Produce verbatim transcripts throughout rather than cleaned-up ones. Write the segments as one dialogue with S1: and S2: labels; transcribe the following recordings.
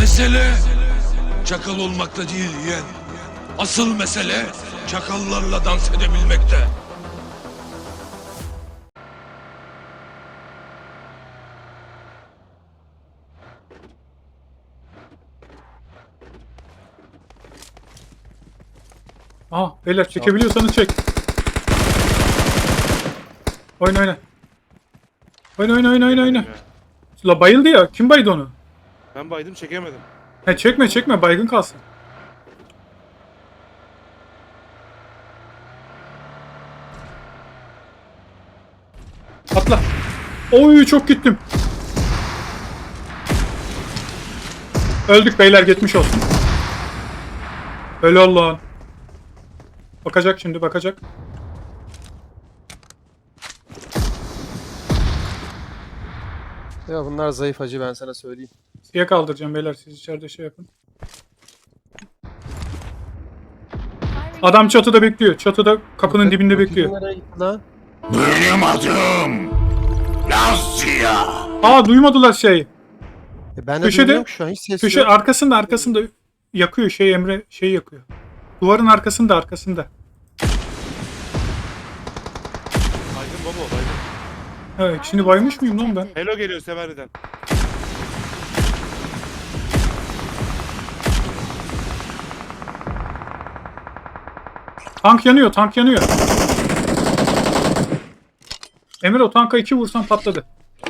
S1: Mesele çakal olmakta değil yeğen. Asıl mesele çakallarla dans edebilmekte.
S2: Aha beyler çekebiliyorsanız çek. Oyna oyna. Oyna oyna oyna oyna oyna. La bayıldı ya. Kim baydı onu?
S3: Ben baydım çekemedim.
S2: He çekme çekme baygın kalsın. Atla. Oy çok gittim. Öldük beyler geçmiş olsun. Öyle Allah'ın. Bakacak şimdi bakacak.
S4: Ya bunlar zayıf hacı, ben sana söyleyeyim.
S2: Siye kaldıracağım beyler siz içeride şey yapın. Adam çatıda bekliyor. Çatıda kapının dibinde
S4: Öteki
S2: bekliyor.
S4: nereye gitti lan?
S1: Benim adım Lazia.
S2: Aa duymadılar şeyi.
S4: E ben de
S2: Köşede-
S4: duymuyorum ki şu an, hiç ses
S2: Köşe
S4: yok.
S2: arkasında arkasında yakıyor şey Emre şey yakıyor. Duvarın arkasında arkasında.
S3: Baydın baba baydın.
S2: Evet şimdi baymış mıyım lan ben?
S3: Hello geliyor Severi'den.
S2: Tank yanıyor tank yanıyor. Emre o tanka iki vursan patladı.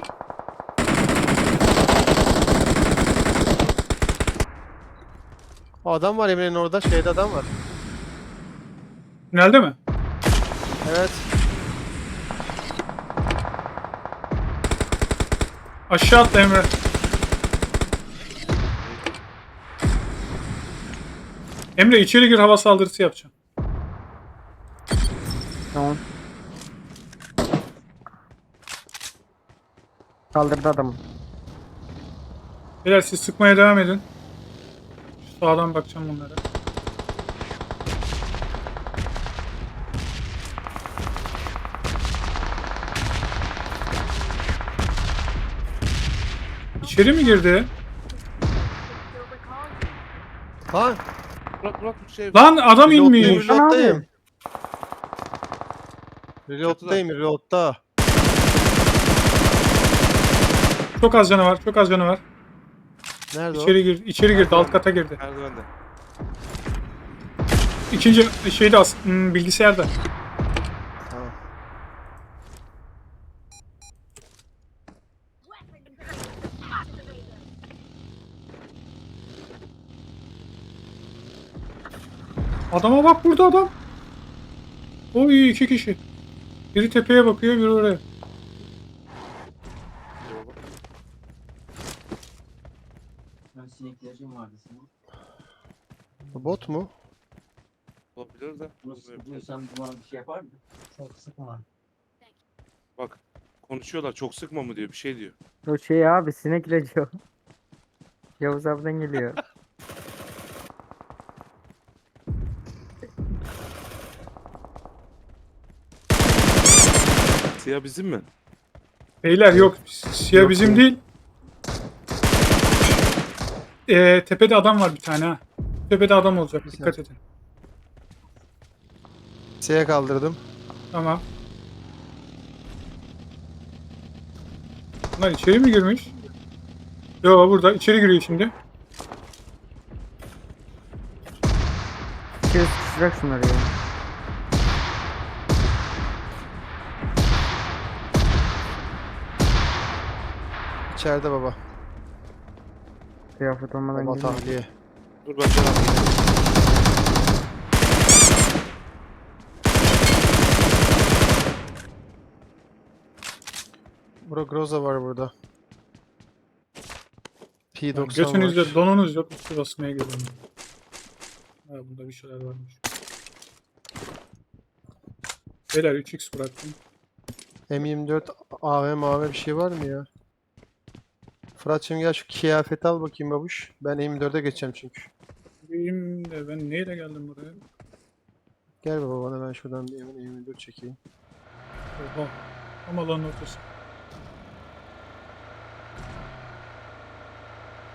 S4: O adam var Emre'nin orada, şeyde adam var.
S2: Tünelde mi?
S4: Evet.
S2: Aşağı atla Emre. Emre içeri gir hava saldırısı yapacağım.
S5: Tamam. Kaldırdı adamı.
S2: Beyler siz sıkmaya devam edin. Şu sağdan bakacağım bunlara. İçeri mi girdi?
S4: Lan!
S3: Bırak bırak bir şey.
S2: Lan adam
S4: Reload'dayım,
S2: inmiş.
S4: reload'dayım. Reload'dayım, reload'da.
S2: Çok az canı var, çok az canı var.
S4: Nerede
S2: İçeri gir, içeri girdi, alt kata girdi.
S3: Merdivende.
S2: İkinci şeyde as, hmm, bilgisayarda.
S4: o? Tamam.
S2: Adama bak burada adam. Oy iki kişi. Biri tepeye bakıyor, biri oraya.
S6: Ben sineklerim vardı senin.
S4: Bu bot mu?
S3: Olabilir de.
S6: Bunu sıkıyorsan buna bir şey yapar mı? Çok sıkma.
S3: Bak konuşuyorlar çok sıkma mı diyor bir şey diyor.
S5: O şey abi sinek ilacı o. Yavuz abiden geliyor.
S3: Siyah bizim mi?
S2: Beyler yok, siyah
S4: Yok,
S2: bizim
S4: yok.
S2: değil. Ee, tepede adam var bir tane ha. Tepede adam olacak, dikkat edin.
S4: S'ye kaldırdım.
S2: Tamam. Bunlar içeri mi girmiş? Yo burada, içeri giriyor şimdi.
S5: İçeri sıkışacak şunları ya.
S4: İçeride baba.
S5: Kıyafet olmadan
S4: Baba
S5: girmiyor.
S4: tahliye.
S3: Dur ben sana
S4: Bro Groza var burada. P doksan var.
S2: Götünüzde donunuz yok, üstü basmaya geliyorum. Ha burada bir şeyler varmış. Beyler üç x bıraktım.
S4: M yirmi dört A V M A V bir şey var mı ya? Fırat'cığım gel şu kıyafeti al bakayım babuş. Ben M yirmi dörde geçeceğim çünkü.
S2: Benim de ben neyle geldim buraya?
S4: Gel baba bana, ben şuradan bir M yirmi dört çekeyim.
S2: Oha. Ama lan ortası.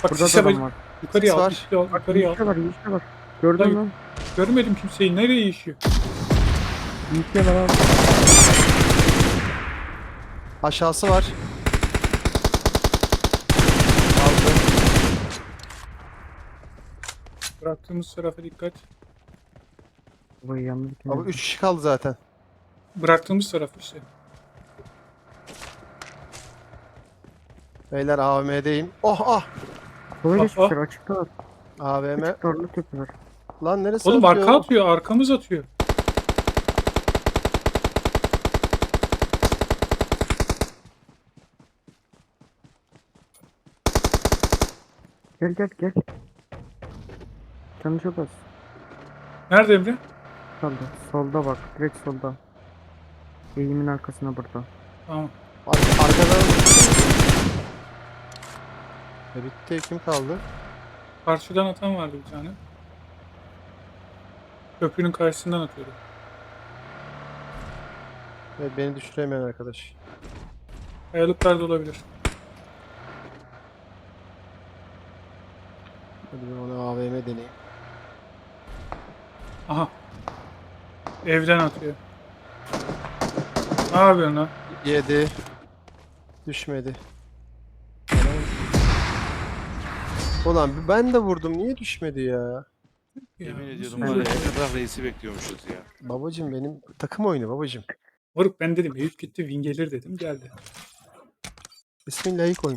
S2: Bak
S5: Burada da
S2: sise bak.
S5: adam var.
S2: Yukarıya al,
S4: Var.
S2: üstte al, yukarıya al.
S5: Yiğit'e var, Yiğit'e var. Gördün
S2: Hayır.
S5: mü?
S2: Görmedim kimseyi. Nereye işiyor?
S5: Yiğit'e var abi.
S4: Aşağısı var. Aldı.
S2: Bıraktığımız tarafa dikkat.
S5: Babayı yalnız
S4: Abi üç kişi kaldı zaten.
S2: Bıraktığımız taraf işte.
S4: Beyler A V M'deyim. Oh ah!
S5: Sola
S2: Bak,
S5: geçmişler,
S2: bak.
S5: açıktalar.
S4: A V M.
S5: Açık torlu tepeler.
S4: Lan neresi
S2: Oğlum
S4: atıyor?
S2: arka atıyor. Arkamız atıyor.
S5: Gel gel gel. Canı çok az.
S2: Nerede Emre?
S5: Solda. Solda bak. Direkt solda. Eğimin arkasına burada.
S2: Tamam.
S4: Ar arkadan... E bitti. Kim kaldı?
S2: Karşıdan atan vardı bir tane. Köprünün karşısından atıyordu.
S4: Evet, beni düşüremeyen arkadaş.
S2: Kayalıklarda olabilir.
S4: Hadi ben ona A V M deneyeyim.
S2: Aha. Evden atıyor. Ne yapıyorsun lan?
S4: Yedi. Düşmedi. Ulan ben de vurdum. Niye düşmedi ya?
S2: Ya,
S3: Yemin ediyorum
S2: nasıl
S3: var ya
S2: böyle?
S3: ne kadar reisi bekliyormuşuz ya.
S4: Babacım benim takım oyunu babacım.
S2: Moruk ben dedim Eyüp gitti win gelir dedim geldi.
S4: Bismillahirrahmanirrahim.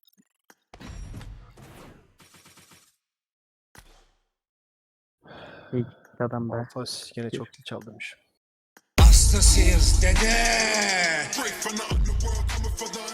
S5: İyi gitti adam be.
S4: Alfas gene çok dil çaldırmış.
S1: Hastasıyız dede.